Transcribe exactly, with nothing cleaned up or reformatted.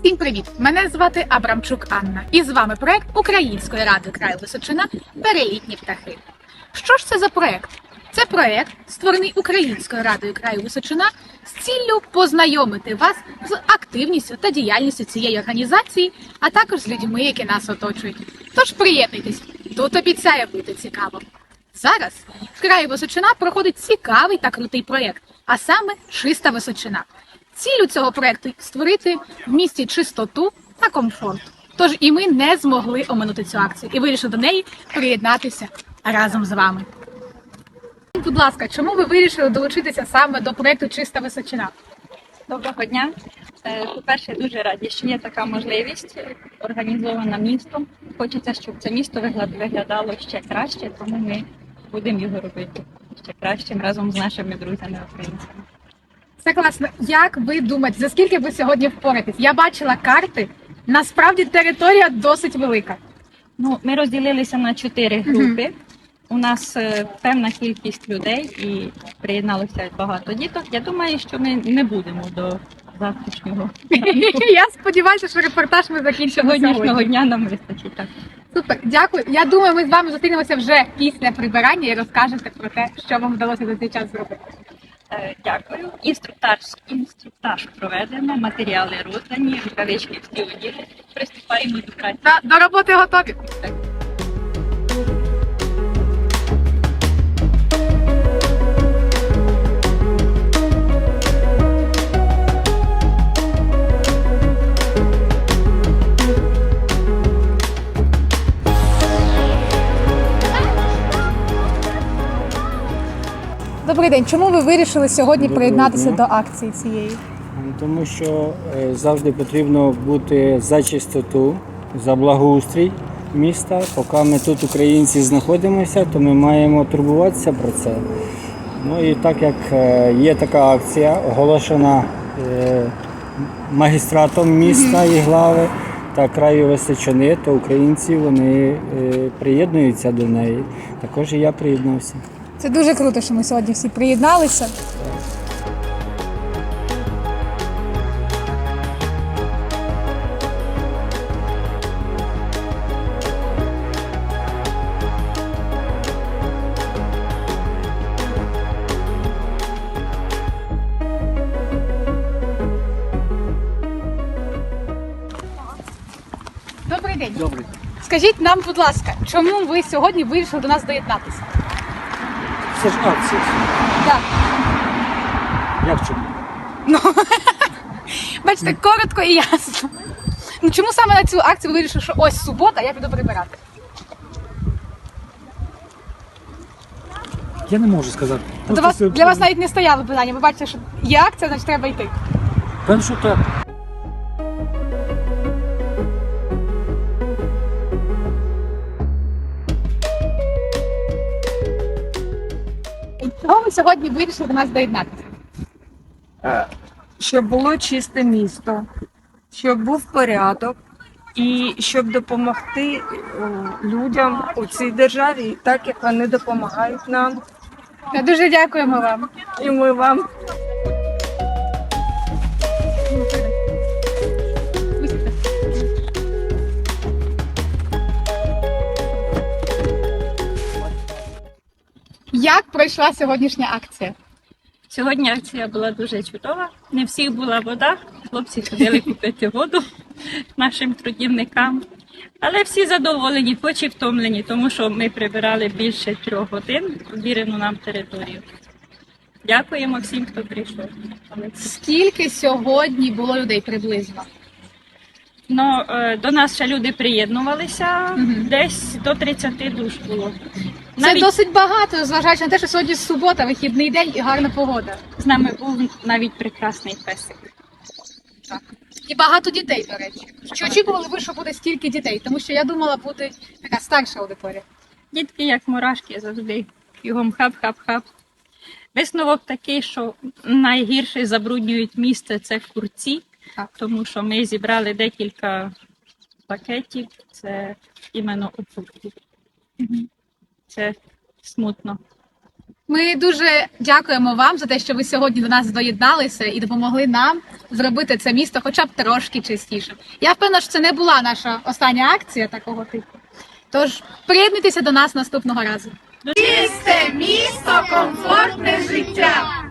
Всім привіт! Мене звати Абрамчук Анна. І з вами проект Української ради краю Височина «Перелітні птахи». Що ж це за проект? Це проект, створений Українською радою краю Височина з ціллю познайомити вас з активністю та діяльністю цієї організації, а також з людьми, які нас оточують. Тож приєднуйтесь, тут обіцяє бути цікаво. Зараз в краї Височина проходить цікавий та крутий проєкт, а саме «Чиста Височина». Ціллю цього проєкту – створити в місті чистоту та комфорт. Тож і ми не змогли оминути цю акцію і вирішили до неї приєднатися разом з вами. Будь ласка, чому ви вирішили долучитися саме до проєкту «Чиста Височина»? Доброго дня. По-перше, дуже раді, що є така можливість, організована містом. Хочеться, щоб це місто виглядало ще краще, тому ми будемо його робити ще кращим разом з нашими друзями-українцями. Це класно. Як ви думаєте, за скільки ви сьогодні впораєтесь? Я бачила карти, насправді територія досить велика. Ну, ми розділилися на чотири групи. Uh-huh. У нас е, певна кількість людей і приєдналося багато діток. Я думаю, що ми не будемо до завтрашнього. Я сподіваюся, що репортаж ми закінчимо сьогоднішнього дня, нам вистачить. Так. Супер, дякую. Я думаю, ми з вами зустрінемося вже після прибирання і розкажете про те, що вам вдалося за цей час зробити. Е, дякую. Інструктаж, інструктаж проведено, матеріали роздані, рукавички всі оділи. Приступаємо до праці. До, до роботи готові. Так. Добрий день. Чому ви вирішили сьогодні Доброго приєднатися дня. До акції цієї? Тому що завжди потрібно бути за чистоту, за благоустрій міста. Поки ми тут, українці, знаходимося, то ми маємо турбуватися про це. Ну і так як є така акція, оголошена магістратом міста і глави та краю Височини, то українці вони приєднуються до неї. Також і я приєднався. Це дуже круто, що ми сьогодні всі приєдналися. Добрий день. Добрий. Скажіть нам, будь ласка, чому ви сьогодні вирішили до нас доєднатися? Це ж акція. Так. Як чому? Ну, бачите, коротко і ясно. Ну, чому саме на цю акцію ви вирішили, що ось субота, я піду прибирати? Я не можу сказати. До вас, для вас навіть не стояло питання, ви бачите, що є акція, значить треба йти. Певно, що так. Чого ви сьогодні вирішили до нас доєднатися? Щоб було чисте місто, щоб був порядок і щоб допомогти людям у цій державі, так як вони допомагають нам. Дуже дякуємо вам. І ми вам. Як пройшла сьогоднішня акція? Сьогодні акція була дуже чудова. Не всіх була вода, хлопці ходили купити воду нашим трудівникам. Але всі задоволені, хоч і втомлені, тому що ми прибирали більше трьох годин вірену нам територію. Дякуємо всім, хто прийшов. Скільки сьогодні було людей приблизно? Ну, до нас ще люди приєднувалися, угу. Десь до тридцяти душ було. Це навіть... досить багато, зважаючи на те, що сьогодні субота, вихідний день і гарна погода. З нами був навіть прекрасний песик. Так. І багато дітей, до речі. Чи очікували ви, що буде стільки дітей? Тому що я думала, буде така старша аудиторія. Дітки, як мурашки, завжди бігом хап-хап-хап. Висновок такий, що найгірше забруднюють місце – це курці. Так. Тому що ми зібрали декілька пакетів, це іменно окурки. Угу. Це смутно. Ми дуже дякуємо вам за те, що ви сьогодні до нас доєдналися і допомогли нам зробити це місто хоча б трошки чистішим. Я впевнена, що це не була наша остання акція такого типу. Тож приєднуйтеся до нас наступного разу. Чисте місто, комфортне життя.